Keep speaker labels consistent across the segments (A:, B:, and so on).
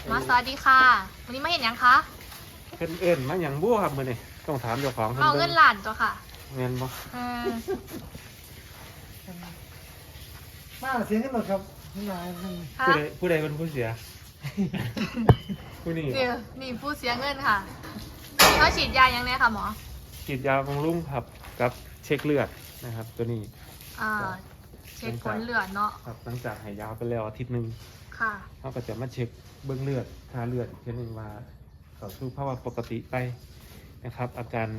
A: มาสวัสดีค่ะวันนี้มาเห็นยังคะ
B: เอ็นมาอย่างบัวครับมือนี่ต้องถามเจ้าของ
A: เอาเงินหลานตัวค่ะ
B: เงินบ่
C: มาเสียงกันหมดครับนี่นาย
B: ผู้ใดเป็นผู้เสียผู้นี้
A: นี่ผู้เสียเงินค่ะเขาฉีดยายังไงค่ะหมอ
B: ฉีดยาบำรุงครับกับเช็คเลือดนะครับ ตัวนี้
A: เช็คผลเลือดเนาะ
B: ครับหลังจากหายยาไปแล้วอาทิตย์หนึ่ง
A: ค่ะ
B: เขาก็จะมาเช็คเบื้องเลือดค่าเลือดเช่นว่าเข้าสู่ภาวะปกติไปนะครับ อาการ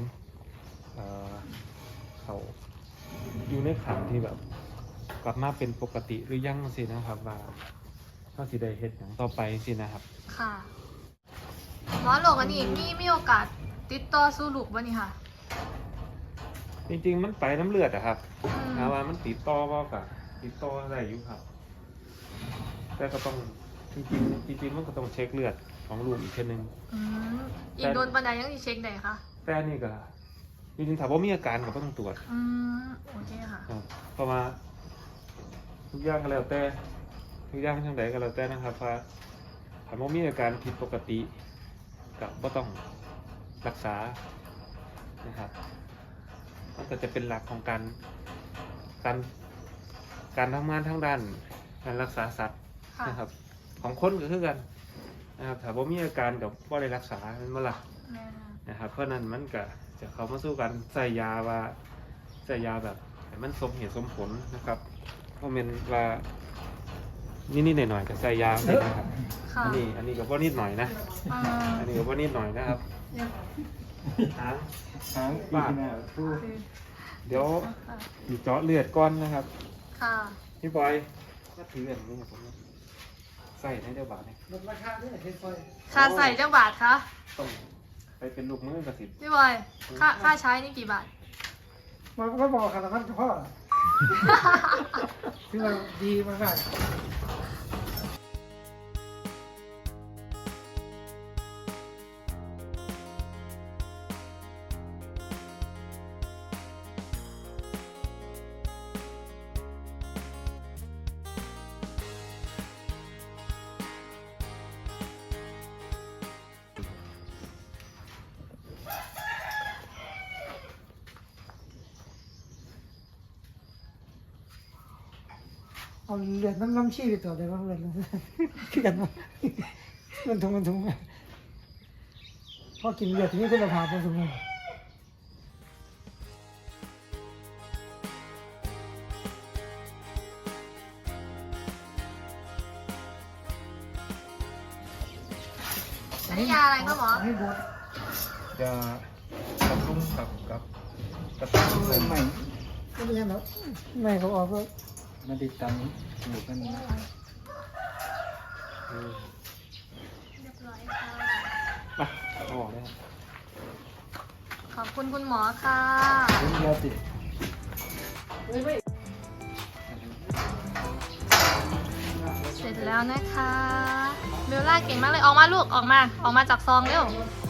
B: เขาอยู่ในขันที่แบบกลับมาเป็นปกติหรือยังสินะครับว่าเขาสิได้เฮ็ดอย่างต่อไปสินะครับ
A: ค่ะหมอโลกอันนี้มีโอกาสติดต่อสู้ลูกบ่นี่ค่ะ
B: จริงๆมันไปน้ำเลือดอะครับถามว่ามันติดต่อบ่กับติดต่ออะไรอยู่ครับแต่ก็ต้องจริงมันก็ต้องเช็คเลือดของลูกอีกทีนึง
A: อีกโดนปัญญายังที่เช็คได้คะ
B: แต่นี่ก็จริงๆถามว่ามีอาการก็ต้องตรวจ
A: โอเคค่ะ
B: เพราะว่าทุกอย่างก็แล้วแต่ทุกอย่างทางใดก็แล้วแต่นะครับว่าถามว่ามีอาการผิดปกติก็ต้องรักษานะครับมันก็จะเป็นหลักของการทำงานทางด้านการรักษาสัตว์นะครับของคนก็คือกันนะครับถ้าว่ามีอาการกับว่าได้รักษาเป็นมาละนะครับเพราะนั้นมันก็จะเข้ามาสู้กันใส่ยาแบบให้มันสมเหตุสมผลนะครับเพราะมันว่านิดหน่อยๆกับใส่ยาเองนะครับอันนี้ก็ว่านิดหน่อยนะอันนี้ก็ว่านิดหน่อยนะครับหางบ้านเดี๋ยวเจาะเลือดก้อนนะครับพี่บอยก็ถืออย่างนี้ผมใส่ในเจ้าบาทเนี่ย
A: ค่าใส่เจ้าบาทคะ
B: ต้องไปเป็นลูกมือกระสิบ
A: พี่บอยค่าใช้นี่กี่บาท
C: มันก็บอกขนาดนั้นพ่อคือมันดีมากเอาเลือดน้ำชี้ไปต่อได้บ้างเลยคือกันมันทุ่งพอกินเลือดที่นี่คุณภาพพอสมควร
A: อันนี้ยาอะไรครับหมอ
C: ให้บด
B: จะกระตุ้นกับตุ้น
C: ใหม่ก็ไม่ใช่เนาะไม่เขาออกก็
B: มาติดตามหมูกันนะ
A: เรียบร้อยค่ะ
B: เอาออกได้
A: ขอบคุณคุณหมอค่ะ
B: ยาติด
A: เสร็จแล้วนะคะเบลล่าเก่งมากเลยออกมาลูกออกมาจากซองเร็ว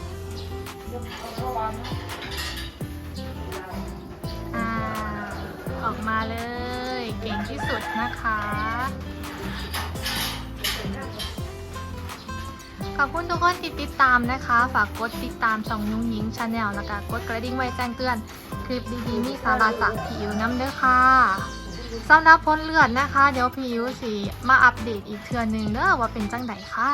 A: ออกมาเลยเก่งที่สุดนะคะขอบคุณทุกคนที่ติดตามนะคะฝากกดติดตามช่องยุ้งยิงชาแนลแล้วก็กดกระดิ่งไว้แจ้งเตือนคลิปดีๆมีสาระจากพี่อิ๋วน้ำเด้อค่ะสำหรับผลเลือดนะคะเดี๋ยวพี่อิ๋วสิมาอัปเดตอีกเทื่อนึงเด้อว่าเป็นจังไดค่ะ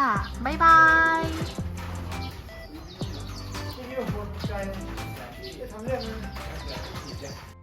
A: บ๊ายบาย